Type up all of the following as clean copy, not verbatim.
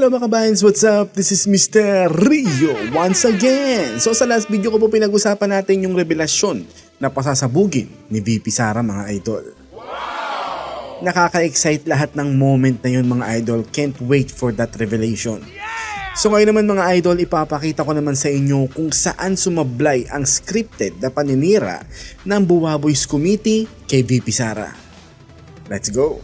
Hello mga kabayans, what's up? This is Mr. Rio once again. So sa last video ko po pinag-usapan natin yung revelasyon na pasasabugin ni VP Sara mga idol. Nakaka-excite lahat ng moment na yun mga idol. Can't wait for that revelation. So ngayon naman mga idol, ipapakita ko naman sa inyo kung saan sumablay ang scripted na paninira ng Buwaboys Committee kay VP Sara. Let's go!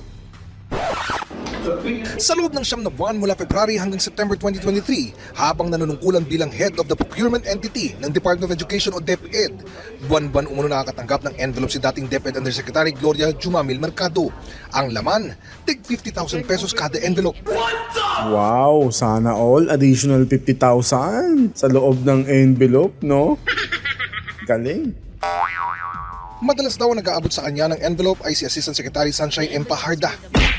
Sa loob ng 9 na buwan mula February hanggang September 2023, habang nanunungkulan bilang head of the procurement entity ng Department of Education o DepEd, buwan-buwan umuno nakakatanggap ng envelope si dating DepEd Undersecretary Gloria Jumamil Mercado. Ang laman, tig 50,000 pesos kada envelope. Wow, sana all additional 50,000 sa loob ng envelope, no? Galing. Madalas daw ang nag-aabot sa kanya ng envelope ay si Assistant Secretary Sunshine M. Paharda.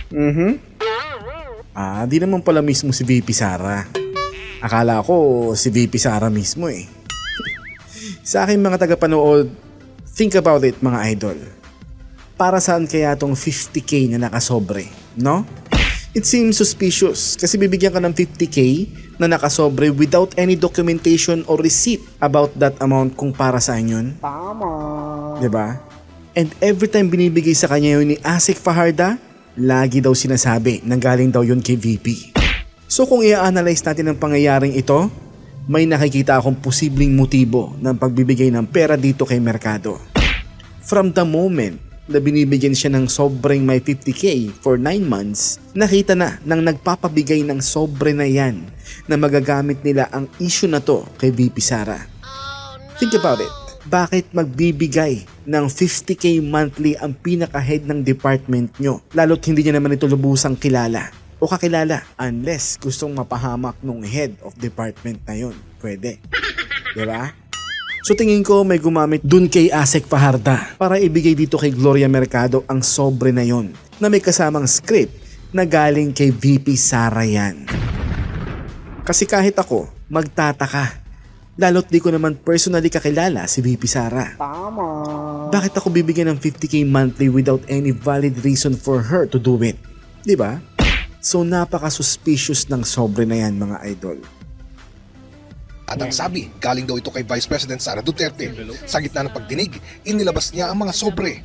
Di naman pala mismo si VP Sara. Akala ko si VP Sara mismo eh. Sa aking mga tagapanood, think about it mga idol. Para saan kaya tong 50k na nakasobre, no? It seems suspicious kasi bibigyan ka ng 50k na nakasobre without any documentation or receipt about that amount kung para saan yun. Tama. Diba? And every time binibigay sa kanya yun ni Asik Fajarda, lagi daw sinasabi na galing daw yun kay VP. So kung i-analyze natin ang pangyayaring ito, may nakikita akong posibleng motibo ng pagbibigay ng pera dito kay Mercado. From the moment na binibigyan siya ng sobrang may 50k for 9 months, nakita na nang nagpapabigay ng sobre na yan na magagamit nila ang issue na to kay VP Sara. Think about it. Bakit magbibigay ng 50k monthly ang pinaka-head ng department nyo? Lalo't hindi niya naman ito lubusang kilala o kakilala unless gustong mapahamak nung head of department na yun. Pwede. Diba? So tingin ko may gumamit dun kay Asik Fajarda para ibigay dito kay Gloria Mercado ang sobre na yon na may kasamang script na galing kay VP Sara yan. Kasi kahit ako, magtataka. Lalo't di ko naman personally kakilala si VP Sara. Tama. Bakit ako bibigyan ng 50k monthly without any valid reason for her to do it? Diba? So napaka-suspicious ng sobre na yan mga idol. At ang sabi, galing daw ito kay Vice President Sara Duterte. Sa gitna ng pagdinig, inilabas niya ang mga sobre.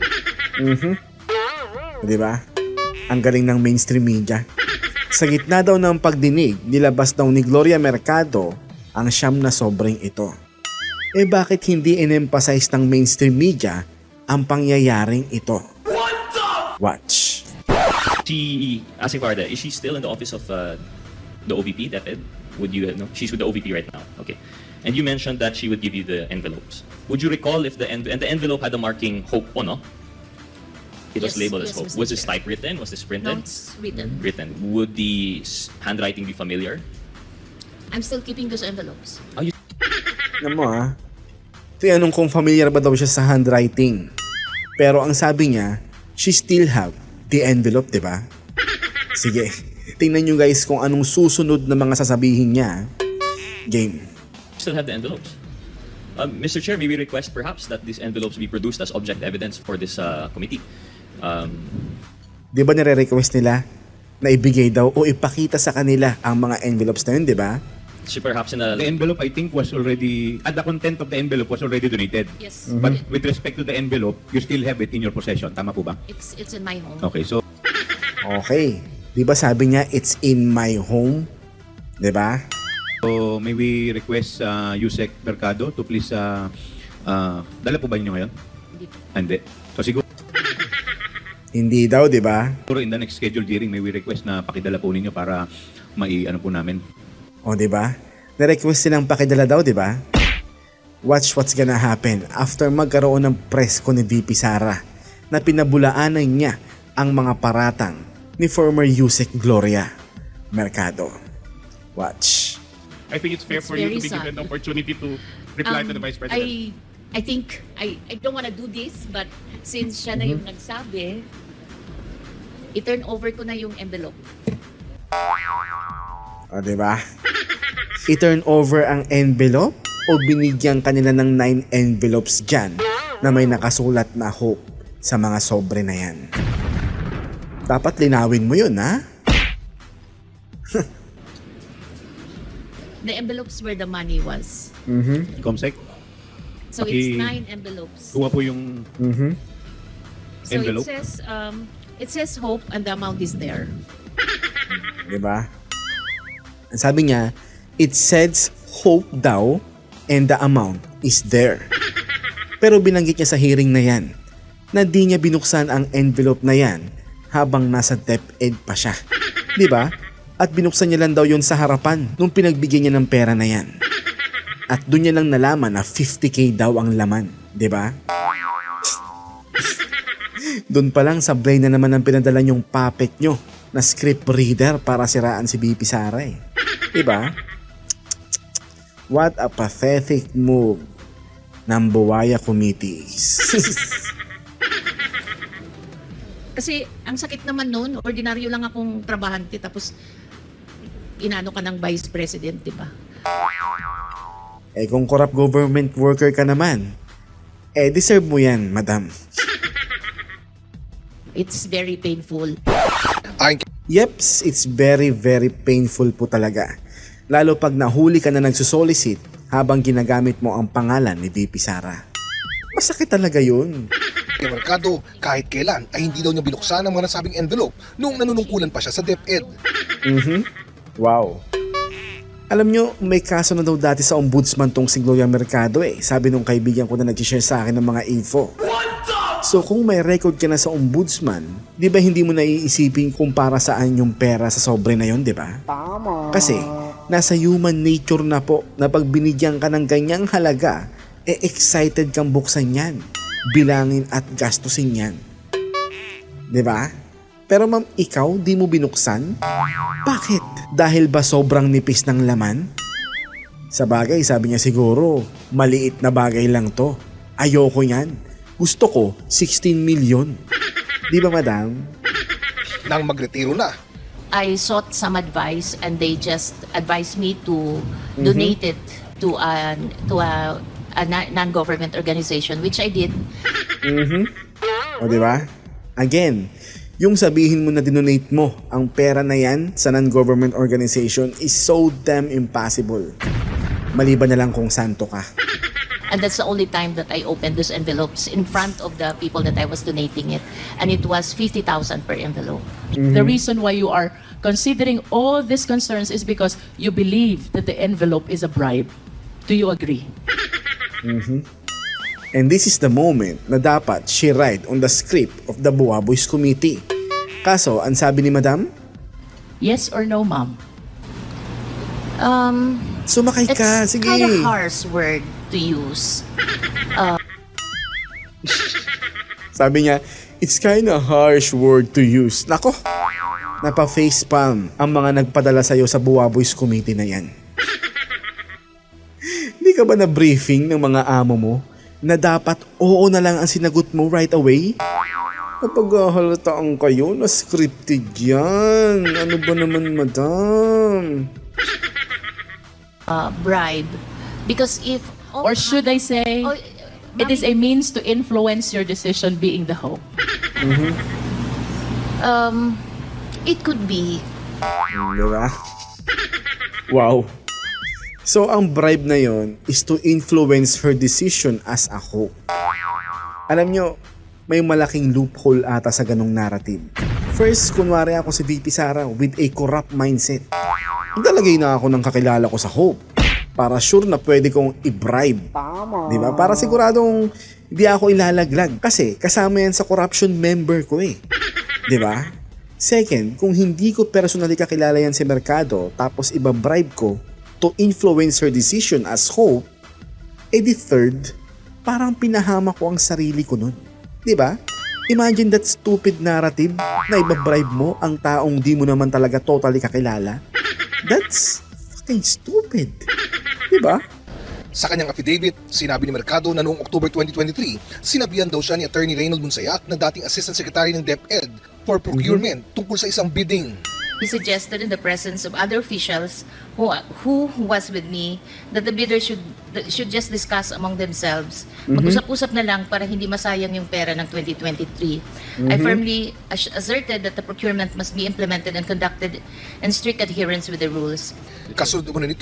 Diba? Ang galing ng mainstream media. Sa gitna daw ng pagdinig, nilabas daw ni Gloria Mercado ang 9 na sobreng ito. Eh bakit hindi in-emphasize ng mainstream media ang pangyayaring ito? Watch. Asking Farda, is she still in the office of the OVP, DepEd? Would you know? She's with the OVP right now. Okay. And you mentioned that she would give you the envelopes. Would you recall if the envelope had the marking Hope po, no? It was labeled as Hope. Mr. Was this Chair. typewritten? Was this No, printed? it's written. Written. Would the handwriting be familiar? I'm still keeping those envelopes. Alam mo tinanong kung familiar ba daw siya sa handwriting. Pero ang sabi niya, she still have the envelope, diba? Sige, tingnan nyo guys kung anong susunod na mga sasabihin niya. Game. Still have the envelopes. Mr. Chair, may we request perhaps that these envelopes be produced as object evidence for this committee? Di ba nire-request nila na ibigay daw o ipakita sa kanila ang mga envelopes na yun, di ba? So perhaps in a The envelope, I think, was already, the content of the envelope was already donated. Yes, But with respect to the envelope, you still have it in your possession. Tama po ba? it's in my home. Okay, so Okay. Di ba sabi niya, it's in my home? Di ba? may we request Yusek Mercado to please, dala po ba niyo ngayon? Hindi po. Hindi. So siguro Hindi daw, di ba? in the next scheduled hearing, may we request na pakidala po ninyo para ano po namin. O, di ba? Na-request silang pakidala daw, di ba? Watch what's gonna happen after magkaroon ng press ko ni VP Sara na pinabulaanan niya ang mga paratang ni former Yusek Gloria Mercado. Watch. I think it's fair It's for you to very be given sad. the opportunity to reply to the Vice President. I think I don't want to do this, but since siya na yung nagsabi, i-turn over ko na yung envelope. O, diba? I-turn over ang envelope o binigyan kanila ng 9 envelopes dyan na may nakasulat na hope sa mga sobre na yan. Dapat linawin mo yun, ha? the envelopes where the money was. Comsec, So it's Paki- 9 envelopes. kuha po yung So envelope. it says hope and the amount is there. Diba? Ang sabi niya, it says hope daw and the amount is there. Pero binanggit niya sa hearing na yan na di niya binuksan ang envelope na yan habang nasa DepEd pa siya. Diba? At binuksan niya lang daw yun sa harapan nung pinagbigyan niya ng pera na yan. At doon niya lang nalaman na 50k daw ang laman. Diba? Doon pa lang sablay na naman ang pinadala niyong puppet nyo na script reader para siraan si BP Sara eh. Diba? What a pathetic move ng Buwaya Committees. Kasi ang sakit naman noon, ordinaryo lang akong trabahante tapos inano ka ng vice president, di ba? Eh kung corrupt government worker ka naman, eh deserve mo yan, madam. It's very painful. Ayon Yeps, it's very very painful po talaga. Lalo pag nahuli ka na nagsusolicit habang ginagamit mo ang pangalan ni BP Sara. Masakit talaga yun. kay Mercado, kahit kailan ay hindi daw niya binuksan ang mga nasabing envelope nung nanunungkulan pa siya sa DepEd. Wow. Alam nyo, may kaso na daw dati sa ombudsman tong si Gloria Mercado eh. Sabi nung kaibigan ko na nag-share sa akin ng mga info. So kung may record ka na sa ombudsman, di ba hindi mo naiisipin kung para saan yung pera sa sobre na yon, di ba? Tama. Kasi nasa human nature na po na pag binigyan ka ng ganyang halaga, eh excited kang buksan yan, bilangin at gastusin yan. Di ba? Pero ma'am, ikaw di mo binuksan? Bakit? Dahil ba sobrang nipis ng laman? Sa bagay, sabi niya siguro, maliit na bagay lang to. Ayoko yan. Gusto ko, 16 million. Di ba, madam? Nang magretiro na, I sought some advice and they just advised me to donate it to a non-government organization, which I did. O, di ba? Again, yung sabihin mo na dinonate mo ang pera na yan sa non-government organization is so damn impossible. Maliban na lang kung santo ka. And that's the only time that I opened those envelopes in front of the people that I was donating it. And it was 50,000 per envelope. The reason why you are considering all these concerns is because you believe that the envelope is a bribe. Do you agree? And this is the moment na dapat she write on the script of the Buwaboys Committee. Kaso, ang sabi ni madam, Yes or no, ma'am? sumakay It's ka, sige. kind of harsh word to use. Sabi niya, it's kinda harsh word to use. Nako, napa-facepalm ang mga nagpadala sa'yo sa Buwaboys Committee na yan. Hindi ka ba na-briefing ng mga amo mo na dapat oo na lang ang sinagot mo right away? Napag-ahalataan kayo na scripted yan. Ano ba naman, madam? Bribe. Because if... Or should I say, Oh, it is a means to influence your decision being the hope? It could be. Diba? Wow. So, ang bribe na yon is to influence her decision as a hope. Alam nyo, may malaking loophole ata sa ganong narrative. First, kunwari ako si VP Sara with a corrupt mindset. Maglalagay na ako ng kakilala ko sa hope para sure na pwede kong i-bribe. Diba? Para siguradong hindi ako ilalaglag. Kasi kasama yan sa corruption member ko eh. Diba? Second, kung hindi ko personally kakilala yan si Mercado tapos iba-bribe ko to influence her decision as hope, eh di third, parang pinahama ko ang sarili ko nun. Diba? Imagine that stupid narrative na iba-bribe mo ang taong di mo naman talaga totally kakilala. That's fucking stupid. Diba? sa kanyang affidavit, sinabi ni Mercado na noong October 2023, sinabihan daw siya ni Attorney Reynold Monsayak na dating Assistant Secretary ng DepEd for Procurement tungkol sa isang bidding. He suggested in the presence of other officials who was with me that the bidders should just discuss among themselves. Mag-usap-usap na lang para hindi masayang yung pera ng 2023. I firmly asserted that the procurement must be implemented and conducted in strict adherence with the rules. Kasunod naman nito,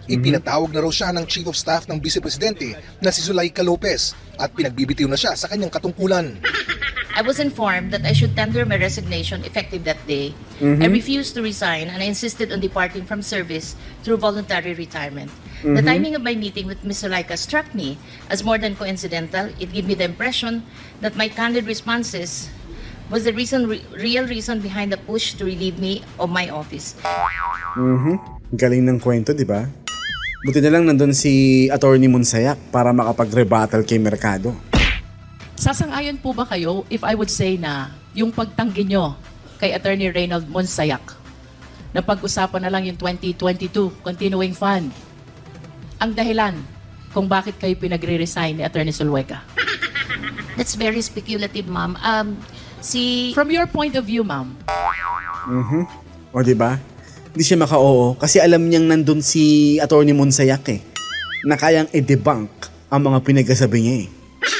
Ipinatawag na raw siya ng Chief of Staff ng Vice Presidente na si Zulaika Lopez at pinagbibitiw na siya sa kanyang katungkulan. I was informed that I should tender my resignation effective that day. I refused to resign and I insisted on departing from service through voluntary retirement. The timing of my meeting with Ms. Zulaika struck me as more than coincidental. It gave me the impression that my candid responses was the real reason behind the push to relieve me of my office. Galing ng kwento, di ba? Buti na lang nandun si Attorney Monsayak para makapag-rebuttal kay Mercado. Sasang-ayon po ba kayo if I would say na yung pagtanggi nyo kay Attorney Reynold Monsayak na pag-usapan na lang yung 2022 continuing fund ang dahilan kung bakit kayo pinagre-resign ni Attorney Zulueta? That's very speculative, ma'am. From your point of view, ma'am. O di ba? Hindi siya maka-oo kasi alam niyang nandun si Attorney Monsayak eh, na kayang i-debunk ang mga pinagkasabi niya eh.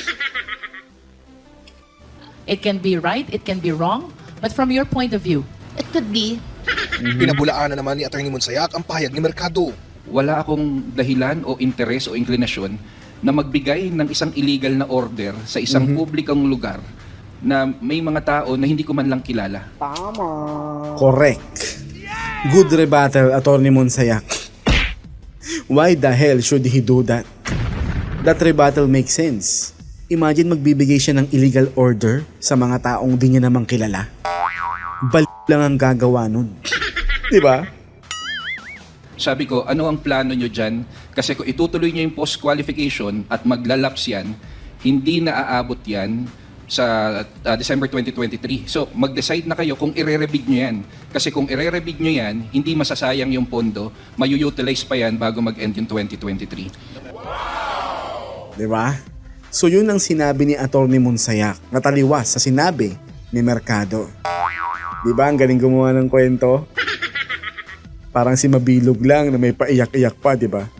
It can be right, it can be wrong, but from your point of view, It could be. Pinabulaan na naman ni Atty. Monsayak ang pahayag ni Mercado. Wala akong dahilan o interes o inklinasyon na magbigay ng isang illegal na order sa isang publikong lugar na may mga tao na hindi ko man lang kilala. Correct. Good rebuttal, Attorney Monsayak. Why the hell should he do that? That rebuttal makes sense. Imagine magbibigay siya ng illegal order sa mga taong di niya namang kilala. Balik lang ang gagawa nun. Di ba? Sabi ko, ano ang plano nyo dyan? Kasi kung itutuloy nyo yung post-qualification at maglalaps yan, hindi na aabot yan sa December 2023. So, mag-decide na kayo kung ire-rebid nyo yan. Kasi kung ire-rebid nyo yan, hindi masasayang yung pondo, mayu-utilize pa yan bago mag-end yung 2023. Di ba? So yun ang sinabi ni Attorney Monsayak na taliwas sa sinabi ni Mercado. Di ba ang galing gumawa ng kwento? Parang si Mabilog lang na may paiyak-iyak pa, di ba?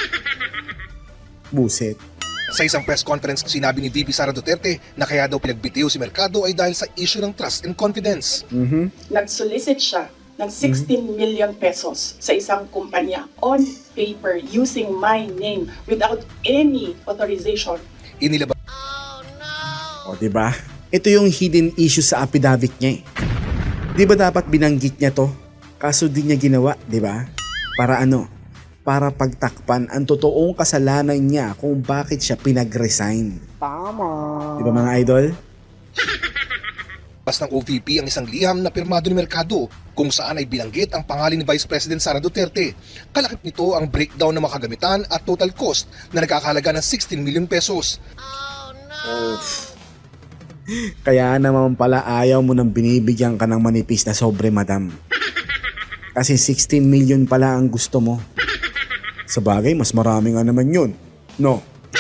Buset. Sa isang press conference, sinabi ni VP Sara Duterte na kaya daw pinagbitiw si Mercado ay dahil sa issue ng trust and confidence. Nag-solicit siya ng 16 million pesos sa isang kumpanya on paper using my name without any authorization. Inilabas O di ba? Ito yung hidden issue sa affidavit niya eh. Di ba dapat binanggit niya to? Kaso di niya ginawa, di ba? Para ano? Para pagtakpan ang totoong kasalanan niya kung bakit siya pinag-resign. Tama. Di ba mga idol? ng OVP ang isang liham na pirmado ni Mercado kung saan ay binanggit ang pangalan ni Vice President Sara Duterte. Kalakip nito ang breakdown ng makagamitan at total cost na nagkakahalaga ng 16 million pesos. Kaya naman pala ayaw mo nang binibigyan ka ng manipis na sobre, madam. Kasi 16 million pala ang gusto mo. Sa bagay, mas marami nga naman yun. No?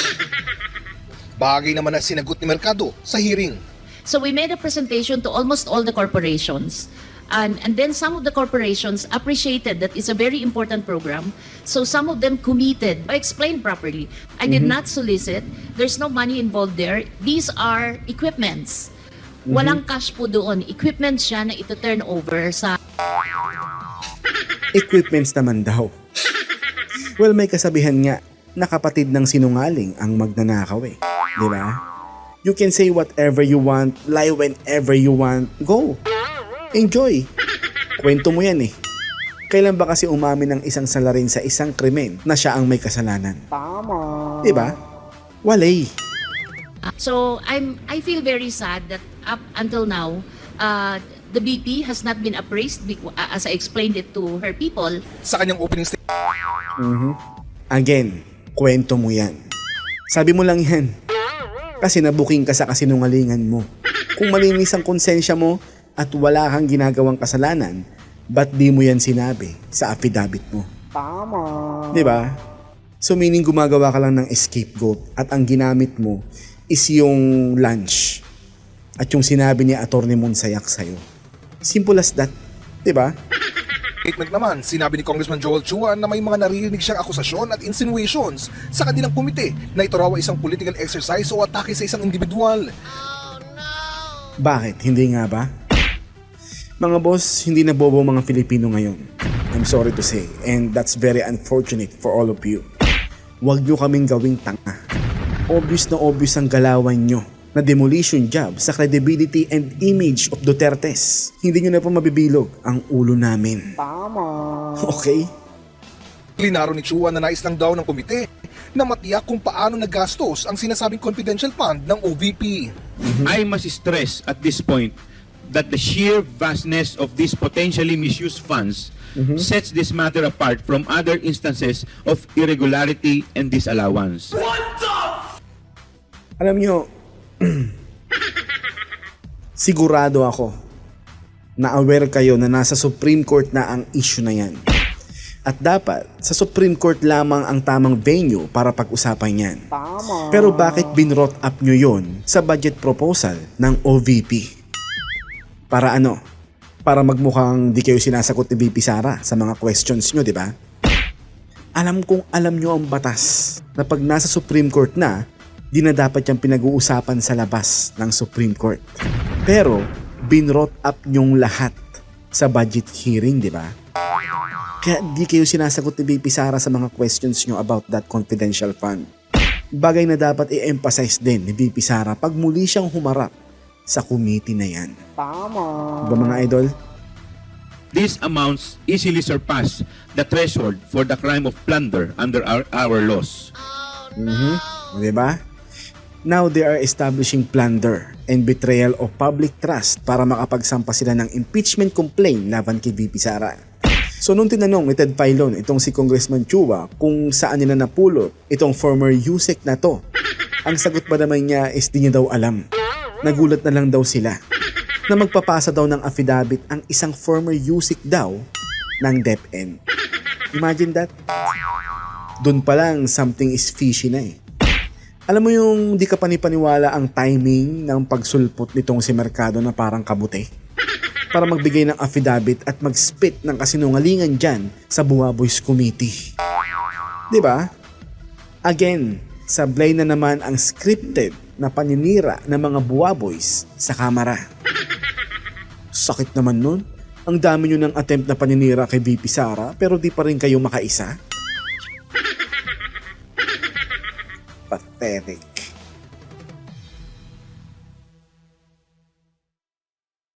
Bagay naman ang sinagot ni Mercado sa hearing. So we made a presentation to almost all the corporations. And then some of the corporations appreciated that it's a very important program. So some of them committed. I explained properly. I did not solicit. There's no money involved there. These are equipments. Walang cash po doon. Equipment siya na ito-turn over sa... Equipments naman daw. Well, may kasabihan nga na kapatid ng sinungaling ang magnanakaw eh. Di ba? You can say whatever you want, lie whenever you want, go. Enjoy. Kwento mo yan eh. Kailan ba kasi umamin ng isang salarin sa isang krimen na siya ang may kasalanan? Tama. Diba? Walay. So I feel very sad that up until now, the BP has not been appraised as I explained it to her people. Sa kanyang opening statement, Again, kwento mo yan. Sabi mo lang yan. Kasi nabuking ka sa kasinungalingan mo. Kung malinis ang konsensya mo at wala kang ginagawang kasalanan, ba't di mo yan sinabi sa affidavit mo? Tama. Diba? So meaning gumagawa ka lang ng scapegoat at ang ginamit mo is yung lunch at yung sinabi ni Atty. Monsayak sa'yo. Simple as that. Diba? naman, sinabi ni Congressman Joel Chua na may mga naririnig siyang akusasyon at insinuations sa kanilang komite na ito raw ay isang political exercise o atake sa isang individual. Bakit? Hindi nga ba? Mga boss, hindi na bobo mga Filipino ngayon. I'm sorry to say, and that's very unfortunate for all of you. Huwag nyo kaming gawing tanga. Obvious na obvious ang galawan nyo na demolition job sa credibility and image of Dutertes. Hindi nyo na po mabibilog ang ulo namin. Okay? Klinaro ni Chua na nais lang daw ng komite na matiyak kung paano nagastos ang sinasabing confidential fund ng OVP. I must stress at this point that the sheer vastness of these potentially misused funds sets this matter apart from other instances of irregularity and disallowance. Alam nyo, sigurado ako na aware kayo na nasa Supreme Court na ang issue na yan. At dapat, sa Supreme Court lamang ang tamang venue para pag-usapan yan. Pero bakit binrot up nyo yon sa budget proposal ng OVP? Para ano? Para magmukhang di kayo sinasagot ni VP Sara sa mga questions nyo, di ba? Alam kong alam nyo ang batas na pag nasa Supreme Court na, di na dapat yung pinag-uusapan sa labas ng Supreme Court. Pero, binrot up nyong lahat sa budget hearing, di ba? Kaya di kayo sinasagot ni VP Sara sa mga questions nyo about that confidential fund. Bagay na dapat i-emphasize din ni VP Sara pag muli siyang humarap sa committee na yan. Tama. Diba mga idol? These amounts easily surpass the threshold for the crime of plunder under our laws. Diba? Now they are establishing plunder and betrayal of public trust para makapagsampa sila ng impeachment complaint laban kay VP Sara. So nung tinanong ni Ted Filon itong si Congressman Chua kung saan nila napulot itong former USEC na to, ang sagot ba naman niya is di niya daw alam. Nagulat na lang daw sila na magpapasa daw ng affidavit ang isang former USEC daw ng DepEd. Imagine that. Doon pa lang something is fishy na eh. Alam mo yung di ka panipaniwala ang timing ng pagsulpot nitong si Mercado na parang kabute? Para magbigay ng affidavit at mag-spit ng kasinungalingan dyan sa Buwaboys Committee. Diba? Again, sablay na naman ang scripted na paninira ng mga Buwaboys sa kamera. Sakit naman nun. Ang dami nyo ng attempt na paninira kay VP Sara pero di pa rin kayo makaisa. Pathetic.